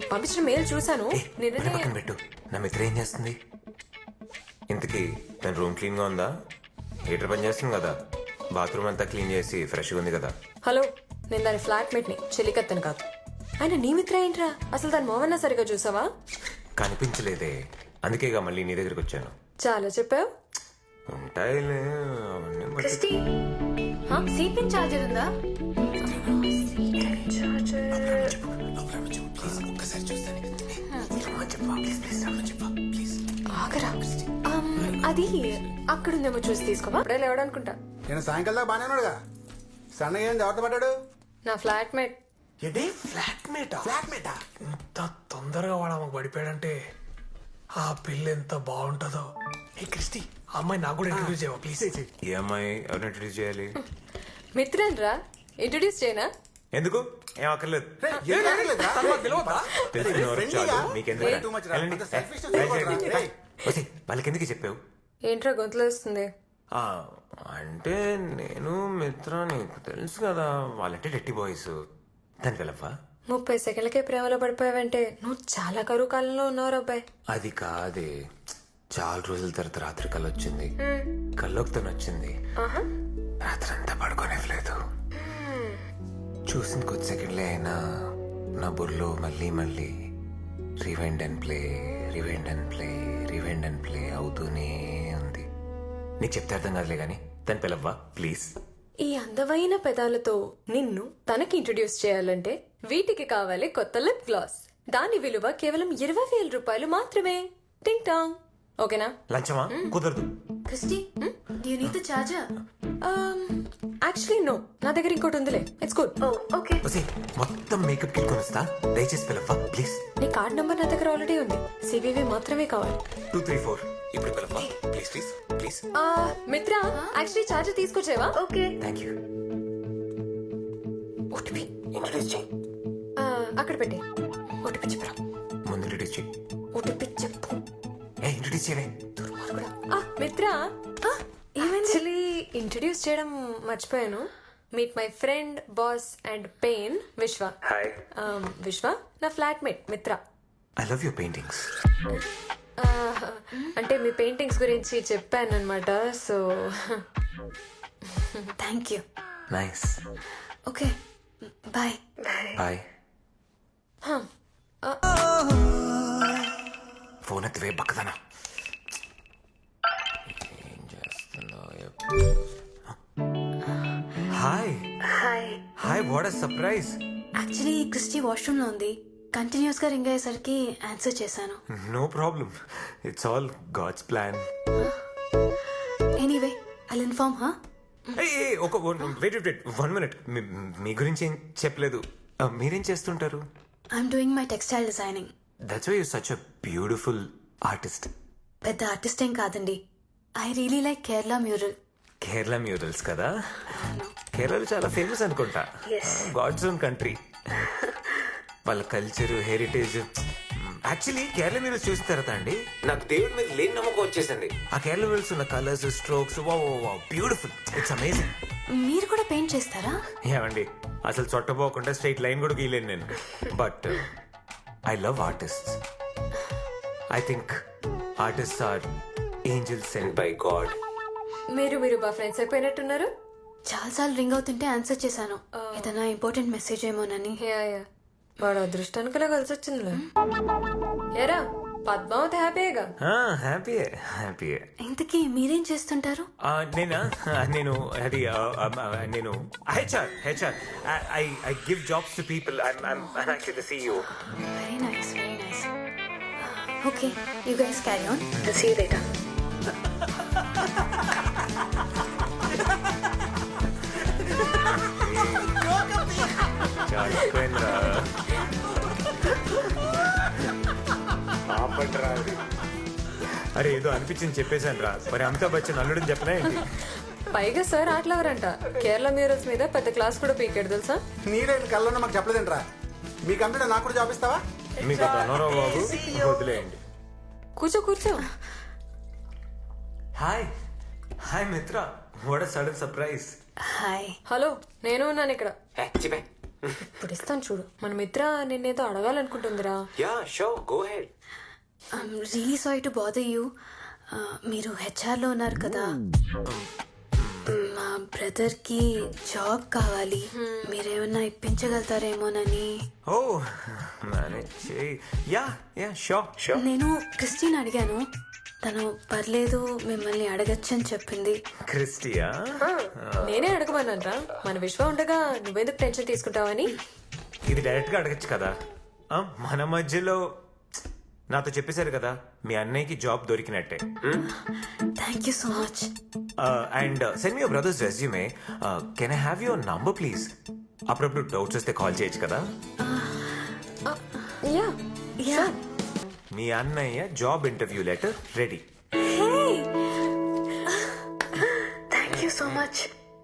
పంపించిన మెయిల్ చూసాను. మరి పక్కన పెట్టు. నా మిత్ర ఏం చేస్తుంది ఇంతకీ? తన రూమ్ క్లీన్ గా ఉందా? హీటర్ పని చేస్తుంది కదా? బాత్రూమ్ అంతా క్లీన్ చేసి ఫ్రెష్గా ఉంది కదా? హలో, నేను దాని ఫ్లాట్ మేట్ ని, చెల్లికత్తను కాదు. ఆయన నీ మిత్ర ఏంట్రా? అసలు దాని మోవన్నా సరిగా చూసావా? కనిపించలేదే, అందుకేగా మళ్ళీ నీ దగ్గరికి వచ్చాను. చాలా చెప్పావు. ఉంటాయిలే అవన్నీ బట్టి. క్రిస్టి, సీపింగ్ చార్జర్ ఉందా? ఆగరా, అది అక్కడుందేమో చూసి తీసుకోవా. అప్పుడే లేవడానుకుంటా. నేను సాయంకాలం దాకా బాగానే ఉన్నాడుగా. సన్నగా ఏంది ఎవరితో పడ్డాడు? నా ఫ్లాట్ మేట్. ఏంటి ఫ్లాట్మేటా? ఇంత తొందరగా వాడు ఆమెకు పడిపోయాడంటే ఆ పిల్ల ఎంత బాగుంటుందో. ఏ క్రిస్టి, ఆ అమ్మాయి నాకు కూడా ఇంట్రడ్యూస్ చేయవా ప్లీజ్? ఈ అమ్మాయి ఎవరిని ఇంట్రడ్యూస్ చేయాలి? మిత్రన్ రా, ఇంట్రడ్యూస్ చేయనా? ఎందుకు? ఏం అక్కర్లేదు. వాళ్ళకి ఎందుకు చెప్పావు? ఏంట్రా గొంతులో వస్తుంది? ఆ, అంటే నేను మిత్ర నీకు తెలుసు కదా, వాళ్ళంటే డెట్టి బాయ్స్. దానికి వెళ్ళవా? 30 సెకండ్లకే ప్రేమలో పడిపోయావంటే నువ్వు చాలా కరువు కాలంలో ఉన్నావు అబ్బాయి. అది కాదే, చాలా రోజుల తర్వాత రాత్రి కళ్ళు వచ్చింది. కల్లోకి తను వచ్చింది. రాత్రి అంతా పడుకోనివ్వలేదు. చూసిన కొద్ది సెకండ్లే అయినా నా బుర్రలో మళ్ళీ మళ్ళీ rewind and play, rewind and play, rewind and play అవుతూనే ఉంది. నీకు చెప్తే అర్థం కాదులే గాని దాని పిలవ్వా ప్లీజ్. ఈ అందమైన పెదాలతో నిన్ను తనకి ఇంట్రడ్యూస్ చేయాలంటే వీటికి కావాలి కొత్త లిప్ గ్లాస్. దాని విలువ కేవలం 20,000 రూపాయలు మాత్రమే. టింగ్ టాంగ్. ఓకేనా? లంచమా? కుదరదు. Christy, do you need the charger? Actually no, నా దగ్గర ఇంకోటి ఉందిలే. It's good. ఓకే. మొత్తం మేకప్ కిట్ కొనిస్తా, దయచేసి పిలవ్వా ప్లీజ్. నీ కార్డ్ నంబర్ నా దగ్గర ఆల్రెడీ ఉంది. సివివి మాత్రమే కావాలి. 234 ఇప్పుడు పిలవ్వా please please please. Mitra, actually charger తీసుకొచ్చేవా? Okay. Thank you. OTP introduce చేయి. అక్కడ పెట్టి ఓటీపీ చెప్పరా. ముందు ఇంట్రడ్యూస్ చేయి. ఓటీపీ చెప్పు. ఇంట్రడ్యూస్ చేయలే. మిత్ర, యాక్చువల్లీ ఇంట్రడ్యూస్ చేయడం మర్చిపోయాను. Meet my friend, boss and pain, Vishwa. Hi. Vishwa నా flatmate Mitra. I love your paintings. అంటే మీ పెయింటింగ్స్ గురించి చెప్పాను అనమాట. So thank you. Nice. Okay, bye. Bye. Phone ఎత్తివే బక్కదనా. ఏం చేస్తున్నావు? Hi. Hi. Hi, what a surprise. Actually Christy washroom లో ఉంది. కంటిన్యూస్ గా రింగ్ అయ్యేసరికి ఆన్సర్ చేశాను. No problem, it's all God's plan. Anyway, I'll inform her. ఒక వెయిట్ 1 minute. మీ గురించి ఏం చెప్పలేదు. మీరేం చేస్తుంటారు? I'm doing my textile designing. That's why you such a beautiful artist. పెద్ద ఆర్టిస్ట్ ఏం కాదండి. I really like Kerala mural. Kerala murals కదా? కేరళలో చాలా ఫేమస్ అనుకుంటా. God's own country. వాళ్ళ culture, heritage. Actually Kerala murals చూసిన తర్వాత అండి నాకు దేవుడి మీద లేని నమ్మకం వచ్చేసింది. ఆ కేరళ మ్యూరల్స్ ఉన్న colours, strokes, beautiful. It's amazing. మీరు కూడా పెయింట్ చేస్తారా? ఏమండి, అసలు చొట్టపోకుండా స్ట్రైట్ లైన్ కూడా గీయలేను నేను. But I love artists. I think artists are angels sent by God. మీరు బా ఫ్రెండ్స్ అయిపోయినట్టున్నారు. చాలాసార్లు రింగ్ అవుతుంటే ఆన్సర్ చేశాను. ఏదైనా ఇంపార్టెంట్ మెసేజ్ ఏమోనని. యా, వాడు అదృష్టానికి ఇలా కలిసి వచ్చిందిలే. ఏరా పద్మావతి హ్యాపీగా? హ్యాపీయే. ఇంతకీ మీరేం చేస్తుంటారు? నేను అది నేను HR. I give jobs to people. I'm actually the CEO. Very nice, very nice. Okay, you guys carry on. I'll see you later. అరే ఏదో అనిపించింది చెప్పేశాను రా. మరి అమితాబ్ బచ్చన్ అల్లుడని చెప్పలే ఏంటి? పైగా సార్ ఆటలవరంట. కేరళ మ్యూరల్స్ మీద పెద్ద క్లాస్ కూడా పీకాడు తెలుసా? నీరేం కళ్ళలో మాకు చెప్పలేదంట్రా. మీ కంప్యూటర్ నాకు కూడా జాబ్ ఇస్తావా? మీకు అనవరావు బాబు, వదిలేయండి. కూర్చో. Hi Mitra, what a sudden surprise. Hi. Hello, నేను ఉన్నాను ఇక్కడ. ఇప్పుడు ఇస్తాను చూడు. మన మిత్ర నిన్నేదో అడగాలనుకుంటుందిరా. Yeah sure go ahead. Really sorry to bother you. మీరు హెచ్ఆర్లో ఉన్నారు కదా, మా బ్రదర్కి జాబ్ కావాలి, మీరేమన్నా ఇప్పించగలుగుతారేమోనని. ఓ మేనేజ్ చేయి. Yeah yeah sure sure. నేను క్రిస్టిన్ అడిగాను, తను పర్లేదు మిమ్మల్ని అడగచ్చని చెప్పింది. క్రిస్టియా? నేనే అడగమన్నానరా. మన విశ్వ ఉండగా నువ్వెందుకు టెన్షన్ తీసుకుంటావని. ఇది డైరెక్ట్ గా అడగచ్చు కదా. మన మధ్యలో నాతో చెప్పేశారు కదా మీ అన్నయ్యకి జాబ్ దొరికినట్టే. Thank you so much. And send me your brother's resume. Can I have your number please? అప్పుడప్పుడు డౌట్స్ వస్తే కాల్ చేయొచ్చు కదా. యా మీ అన్నయ్య job interview letter ready. Thank you so much.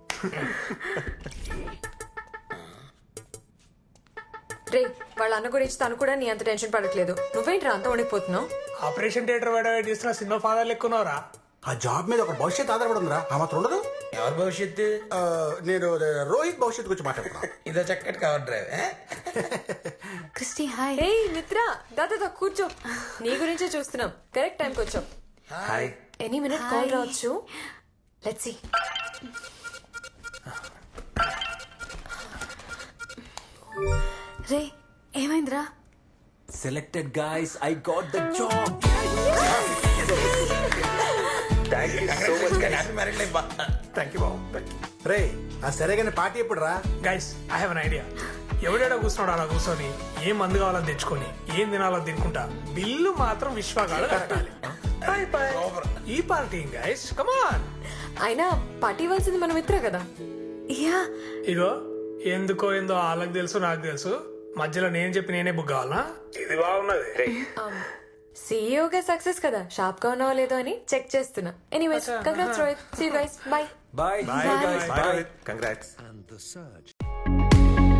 రే, వాళ్ళ అన్న గురించి తను కూడా నీ అంత టెన్షన్ పడట్లేదు. నువ్వేంట్రా అంత వణికిపోతున్నావు? ఆపరేషన్ థియేటర్ వెయిట్ చేస్తున్న సినిమా ఫాదర్ లెక్కున్నారా? ఆ జాబ్ మీద ఒక భవిష్యత్ ఆధారపడి ఉందిరా. ఆ మాత్రం ఉండదు. ఎవరి భవిష్యత్తు? నేను రోహిత్ భవిష్యత్తు గురించి మాట్లాడుతున్నా. ఇదో చక్కటి కవర్ డ్రైవ్. Christy hi. ఏ మిత్ర, దాదా కూర్చో. నీ గురించే చూస్తున్నాం. కరెక్ట్ టైంకి వచ్చాం. హాయ్. ఎనీ మినిట్ కాల్ రావచ్చు. Let's see. రే ఏమైందిరా? Selected guys, I got the job. Thank you బాబు. రే ఆ సరే కానీ పార్టీ ఎప్పుడు రా? Guys I have an idea. ఎవడేడా కూర్చున్నాడు అలా కూర్చొని ఏం మందు కావాలని తెచ్చుకొని ఏం తినాలని తినుకుంటా బిల్లు మాత్రం విశ్వగాడు కట్టాలి. ఈ పార్టీ గైస్ కమాన్. అయినా పార్టీ ఇవ్వాల్సింది మన మిత్ర కదా. యా ఇగో ఎందుకో ఏందో వాళ్ళకి తెలుసు నాకు తెలుసు, మధ్యలో నేను చెప్పి నేనే బుక్ కావాలా? ఇది బాగున్నది. సీఈఓగా సక్సెస్ కదా, షాప్ గా ఉన్నావో లేదో అని చెక్ చేస్తున్నా. Anyways congrats Rohit. See you guys. Bye. Bye. Bye guys. Bye. Congrats. And the surge.